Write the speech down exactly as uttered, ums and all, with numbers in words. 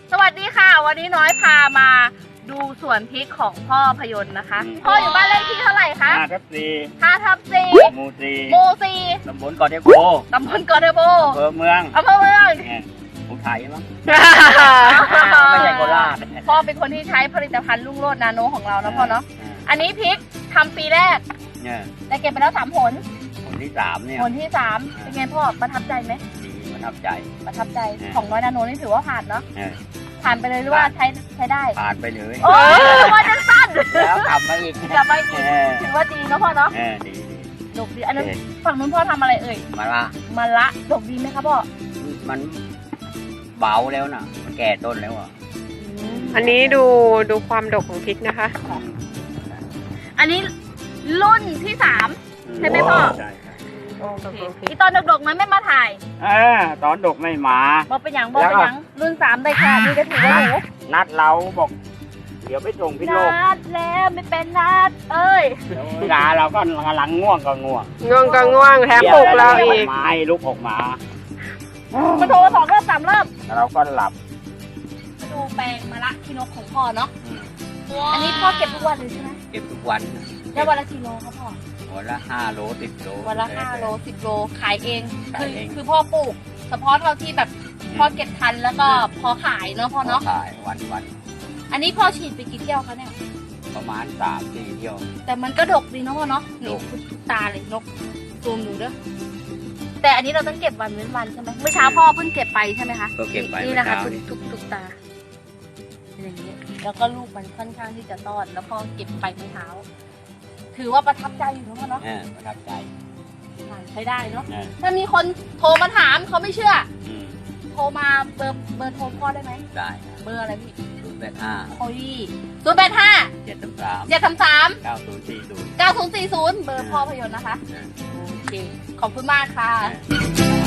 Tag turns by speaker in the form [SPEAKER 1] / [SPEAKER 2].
[SPEAKER 1] สวัสดีค่ะวันนี้น้อยพามาดูสวนพริกของพ่อพยนต์นะคะพ่ออยู่บ้านเลขที่เท่าไหร่คะ
[SPEAKER 2] ห้าทับสี่
[SPEAKER 1] ห้าทับสี่
[SPEAKER 2] หมู่สี่
[SPEAKER 1] หมู่สี่
[SPEAKER 2] ตำบลเกาะเทโพ
[SPEAKER 1] ตำบลเกาะเทโพ
[SPEAKER 2] อำเภอเมือง
[SPEAKER 1] อำเภอเมือง
[SPEAKER 2] ผมไทยมั้งไม่ใช่โคราช
[SPEAKER 1] พ่อเป็นคนที่ใช้ผลิตภัณฑ์รุ่งโรจน์นาโนของเรานะพ่อเนาะอันนี้พริกทำปีแรกได้เก็บไปแล้วสามผล
[SPEAKER 2] ผลที่สามเนี่ย
[SPEAKER 1] ผลที่สามเป็นไงพ่อประทับใจไหม
[SPEAKER 2] ดีประทับใจ
[SPEAKER 1] ประทับใจของน้อยนาโนนี่ถือว่าผ่านเนาะผ่านไปเลยหรือว่าใช้ใช้ได้
[SPEAKER 2] ผ่านไปเลย
[SPEAKER 1] โอ้ยว่าจะสั้น
[SPEAKER 2] แล้วกลับมาอีก
[SPEAKER 1] กลับมาอีกถือว่าดีนะพ่อเนาะ
[SPEAKER 2] ดีดี
[SPEAKER 1] ดกดีอันนั้นฝั่งนู้นพ่อทำอะไรเอ่ย
[SPEAKER 2] มะละ
[SPEAKER 1] มะละดกดีไหมครับพ่อ
[SPEAKER 2] มันเบาแล้วนะมันแก่ต้นแล้วอ่ะ
[SPEAKER 3] อันนี้ดูดูความดกของพริกนะคะ
[SPEAKER 1] อันนี้รุ่นที่สามใช่ไหมพ่อ
[SPEAKER 2] ใช่
[SPEAKER 1] ที่ตอนดกๆนั้นไม่มาถ่าย
[SPEAKER 2] เออตอนดกไม่มา
[SPEAKER 1] บอกเป็นอย่างบอกเป็นอย่างรุ่นสามได้ค่ะนี่ก็ถือว่าหนู
[SPEAKER 2] นัดเราบอกเดี๋ยวไปส่งพี่โลก
[SPEAKER 1] นัดแล้วไม่เป็นนัดเอ้ย
[SPEAKER 2] งาเราก็กำลังง่วงก็ง่วง
[SPEAKER 3] ง่วงก็ง่วงแถมปลุกเราอีก
[SPEAKER 2] ไม้ลุกออกมา
[SPEAKER 1] มาโทรสองรอบสามรอบ
[SPEAKER 2] เราก็หลับ
[SPEAKER 1] มาดูแปลงมะละขี้นกของพ่อเนาะอันนี้พ่อเก็บทุกวันเลยใช่ไหม
[SPEAKER 2] เก็บทุกวัน
[SPEAKER 1] ได้วันละกิโลครับพ่อ
[SPEAKER 2] วันละห้าโลสิบโล
[SPEAKER 1] วันละห้าโลสิบโลขายเองคือคือพ่อปลูกเฉพาะเราที่แบบพ่อเก็บทันแล้วก็พอขายเนาะพ่อเนาะ
[SPEAKER 2] ขายวันวัน
[SPEAKER 1] อันนี้พ่อฉีดไปกี่เที่ยวคะเนี่ย
[SPEAKER 2] ประมาณสามสี่เที่ยว
[SPEAKER 1] แต่มันก็ดกดีเนาะพ่อเนาะนี่ทุกตาเลยนกซูมดูเด้อแต่อันนี้เราต้องเก็บวันเว้นวันใช่ไหมเมื่อเช้าพ่อเพิ่งเก็บไปใช่ไหมคะ
[SPEAKER 2] ก็เก็บไป
[SPEAKER 1] นี่นะคะทุกทุกทุกตาอย่างนี้แล้วก็ลูกมันค่อนข้างที่จะต้อนแล้วพ่อเก็บไปเมื่อเช้าถือว่าประทับใจอยู่นะพ่อเนาะ
[SPEAKER 2] ประทับใจ
[SPEAKER 1] ใช้ได้เนาะถ้ามีคนโทรมาถามเขาไม่เชื่อโทรมาเบอร์เบอร์โทรพ่อได้ไหม
[SPEAKER 2] ได้
[SPEAKER 1] เบอร์อะไรพี่
[SPEAKER 2] ศูนย์แปดห้า
[SPEAKER 1] โอ้ยศูนย์แปดห้า
[SPEAKER 2] เจ็ดสามสาม
[SPEAKER 1] เจ็ดสามสาม
[SPEAKER 2] เก้าศูนย์สี่ศูนย์
[SPEAKER 1] เก้าศูนย์สี่ศูนย์เบอร์พ่อพยนต์นะคะโอเคขอบคุณมากค่ะ